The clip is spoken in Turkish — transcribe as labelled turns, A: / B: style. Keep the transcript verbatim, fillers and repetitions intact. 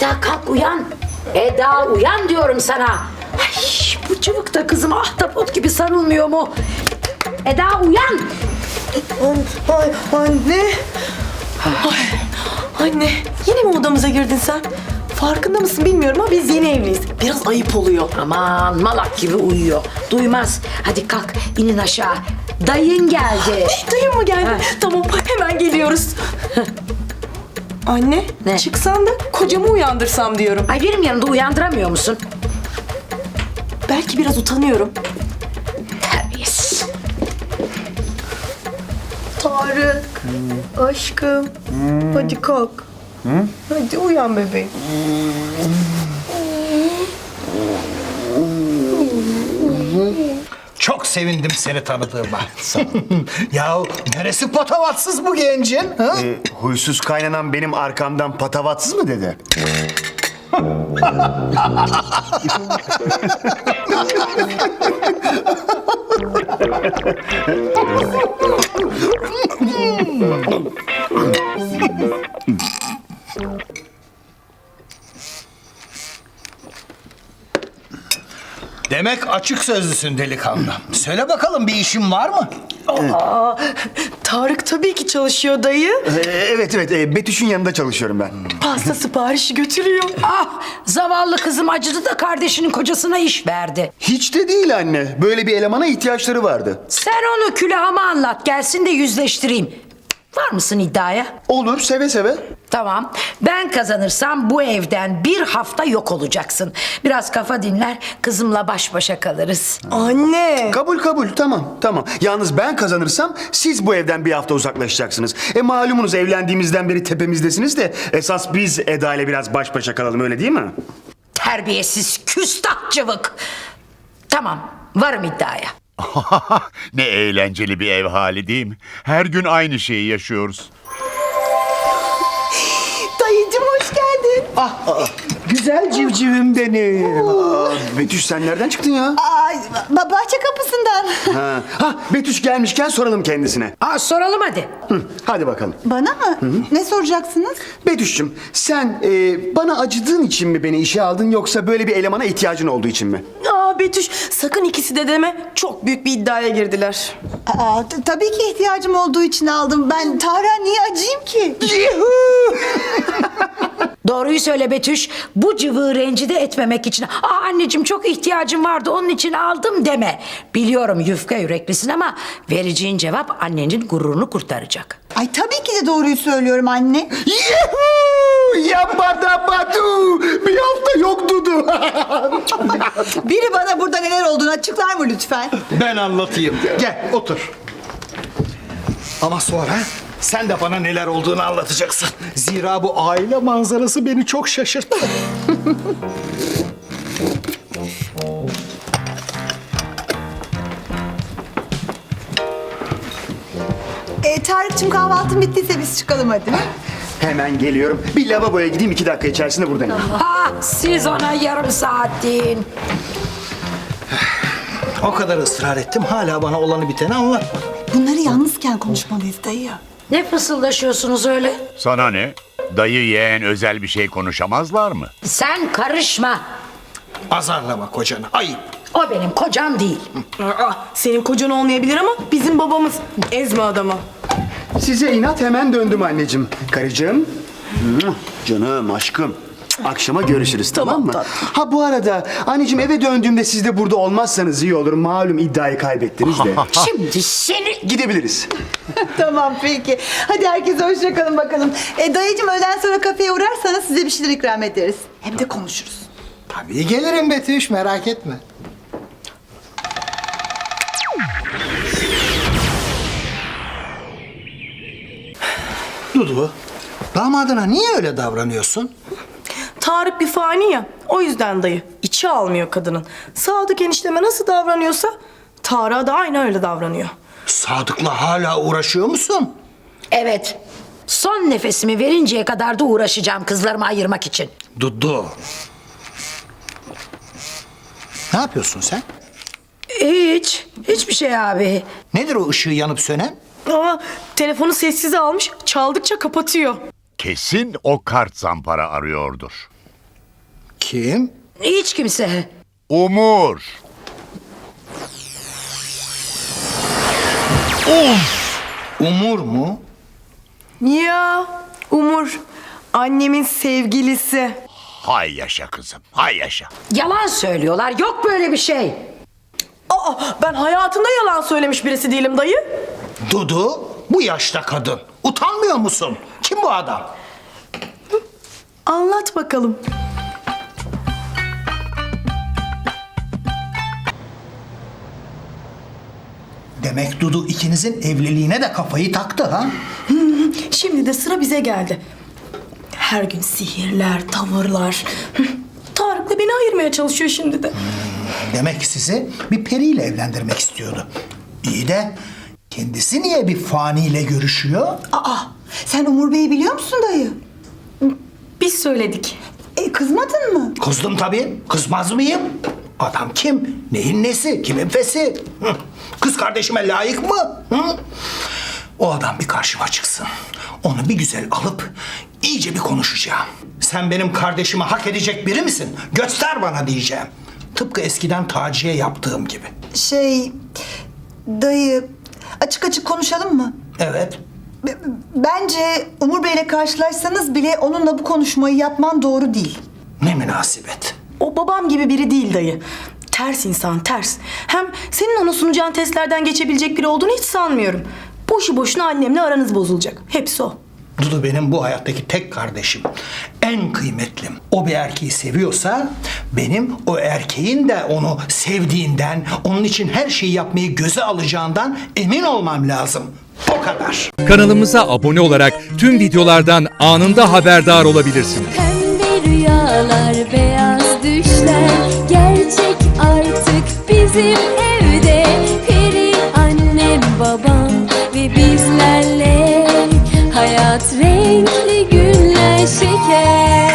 A: Eda kalk uyan. Eda uyan diyorum sana. Ay, bu cıvıkta kızım ahtapot gibi sarılmıyor mu? Eda uyan.
B: Ay, ay anne. Ay, anne yine mi odamıza girdin sen? Farkında mısın bilmiyorum ama biz yeni evliyiz. Biraz ayıp oluyor.
A: Aman malak gibi uyuyor. Duymaz. Hadi kalk inin aşağı. Dayın geldi.
B: Ay, dayım mı geldi?
A: Ha.
B: Tamam hemen geliyoruz. Anne
A: Ne?
B: çıksan da kocamı uyandırsam diyorum.
A: Ay benim yanımda uyandıramıyor musun?
B: Belki biraz utanıyorum.
A: Terbiyesiz.
B: Tarık, aşkım, hadi kalk. Hadi uyan bebeğim.
C: Çok sevindim seni tanıdığıma. Ya neresi patavatsız bu gencin? Ha?
D: E, huysuz kaynanan benim arkamdan patavatsız mı dedi?
C: Demek açık sözlüsün delikanlı. Söyle bakalım bir işin var mı?
B: Aa, Tarık tabii ki çalışıyor dayı.
D: E, evet evet e, Betüş'ün yanında çalışıyorum ben.
B: Pasta siparişi götürüyor.
A: Ah zavallı kızım acıdı da kardeşinin kocasına iş verdi.
D: Hiç de değil anne. Böyle bir elemana ihtiyaçları vardı.
A: Sen onu külahıma anlat gelsin de yüzleştireyim. Var mısın iddiaya?
D: Olur seve seve.
A: Tamam. Ben kazanırsam bu evden bir hafta yok olacaksın. Biraz kafa dinler, kızımla baş başa kalırız.
B: Anne.
D: Kabul kabul tamam tamam. Yalnız ben kazanırsam siz bu evden bir hafta uzaklaşacaksınız. E malumunuz evlendiğimizden beri tepemizdesiniz de esas biz Eda ile biraz baş başa kalalım öyle değil mi?
A: Terbiyesiz, küstah cıvık. Tamam, varım iddiaya.
E: Ne eğlenceli bir ev hali değil mi? Her gün aynı şeyi yaşıyoruz.
B: Dayıcım hoş geldin.
C: Güzel civcivim benim.
D: Aa, Betüş sen nereden çıktın ya?
F: Ay, ba- bahçe kapısından.
D: Ha, ha Betüş gelmişken soralım kendisine.
A: Aa, soralım hadi.
D: Hı, hadi bakalım.
F: Bana mı? Ne soracaksınız?
D: Betüş'cüm sen e, bana acıdığın için mi beni işe aldın yoksa böyle bir elemana ihtiyacın olduğu için mi?
B: Aa Betüş sakın ikisi de deme. Çok büyük bir iddiaya girdiler.
F: Aa, t- tabii ki ihtiyacım olduğu için aldım. Ben Tarık'a niye acıyım ki?
A: Doğruyu söyle Betüş. Bu cıvığı rencide etmemek için. Aa anneciğim çok ihtiyacım vardı onun için aldım deme. Biliyorum yufka yüreklisin ama vereceğin cevap annenin gururunu kurtaracak.
F: Ay tabii ki de doğruyu söylüyorum anne.
D: Yuhuu! Yabada badu! Bir hafta yok Dudu.
F: Biri bana burada neler olduğunu açıklar mı lütfen?
C: Ben anlatayım. Gel otur. Ama sonra sen de bana neler olduğunu anlatacaksın. Zira bu aile manzarası beni çok şaşırttı.
F: Ee, Tarık'cığım kahvaltın bittiyse biz çıkalım hadi.
D: Hemen geliyorum. Bir lavaboya gideyim iki dakika içerisinde buradayım.
A: Ha siz ona yarım saat deyin.
C: O kadar ısrar ettim hala bana olanı biteni anlatma.
F: Bunları yalnızken konuşmalıyız dayı.
A: Ne fısıldaşıyorsunuz öyle?
E: Sana ne? Dayı yeğen özel bir şey konuşamazlar mı?
A: Sen karışma.
C: Azarlama kocanı ayıp.
A: O benim kocam değil.
B: Aa, senin kocan olmayabilir ama bizim babamız. Ezme adamı.
D: Size inat hemen döndüm anneciğim. Karıcığım. Muah, canım aşkım. Akşama görüşürüz tamam,
B: Tamam,
D: mı?
B: tatlım.
D: Ha bu arada anneciğim eve döndüğümde siz de burada olmazsanız iyi olur. Malum iddiayı kaybettiniz de.
A: Şimdi seni...
D: Gidebiliriz.
F: Tamam peki. Hadi herkese hoşça kalın bakalım. Ee, dayıcığım öğleden sonra kafeye uğrarsanız size bir şeyler ikram ederiz. Hem de konuşuruz.
C: Tabii gelirim Betüş merak etme. Dudu, damadına niye öyle davranıyorsun?
B: Tarık bir fani ya. O yüzden dayı. İçi almıyor kadının. Sadık enişteme nasıl davranıyorsa Tarık'a da aynı öyle davranıyor.
C: Sadık'la hala uğraşıyor musun?
A: Evet. Son nefesimi verinceye kadar da uğraşacağım kızlarımı ayırmak için.
C: Dudu. Ne yapıyorsun sen?
A: Hiç. Hiçbir şey abi.
C: Nedir o ışığı yanıp sönen?
B: Aa, telefonu sessize almış. Çaldıkça kapatıyor.
E: Kesin o kart zampara arıyordur.
C: Kim?
A: Hiç kimse.
E: Umur.
C: Umur mu?
B: Ya Umur, annemin sevgilisi.
E: Hay yaşa kızım, hay yaşa.
A: Yalan söylüyorlar. Yok böyle bir şey.
B: Aa, ben hayatımda yalan söylemiş birisi değilim dayı.
C: Dudu, bu yaşta kadın. Utanmıyor musun? Kim bu adam?
B: Anlat bakalım.
C: Demek Dudu ikinizin evliliğine de kafayı taktı ha?
B: Şimdi de sıra bize geldi. Her gün sihirler, tavırlar. Tarık'la beni ayırmaya çalışıyor şimdi de.
C: Demek sizi bir periyle evlendirmek istiyordu. İyi de kendisi niye bir faniyle görüşüyor?
F: Aa, sen Umur Bey'i biliyor musun dayı?
B: Biz söyledik.
F: E, kızmadın mı?
C: Kızdım tabii. Kızmaz mıyım? Adam kim? Neyin nesi? Kimin fesi? Hı. Kız kardeşime layık mı? Hı? O adam bir karşıma çıksın. Onu bir güzel alıp iyice bir konuşacağım. Sen benim kardeşimi hak edecek biri misin? Göster bana diyeceğim. Tıpkı eskiden Taci'ye yaptığım gibi.
F: Şey, dayı açık açık konuşalım mı?
C: Evet.
F: B- Bence Umur Bey'le karşılaşsanız bile onunla bu konuşmayı yapman doğru değil.
C: Ne münasebet.
B: O babam gibi biri değil dayı. Ters insan, ters. Hem senin ona sunacağın testlerden geçebilecek biri olduğunu hiç sanmıyorum. Boşu boşuna annemle aranız bozulacak. Hepsi o.
C: Dudu benim bu hayattaki tek kardeşim. En kıymetlim. O bir erkeği seviyorsa benim o erkeğin de onu sevdiğinden, onun için her şeyi yapmayı göze alacağından emin olmam lazım. O kadar.
G: Kanalımıza abone olarak tüm videolardan anında haberdar olabilirsiniz.
H: Pembe rüyalar, beyaz düşler gerçek artık bizim evde. Peri annem, babam ve bizlerle hayat renkli günler şeker.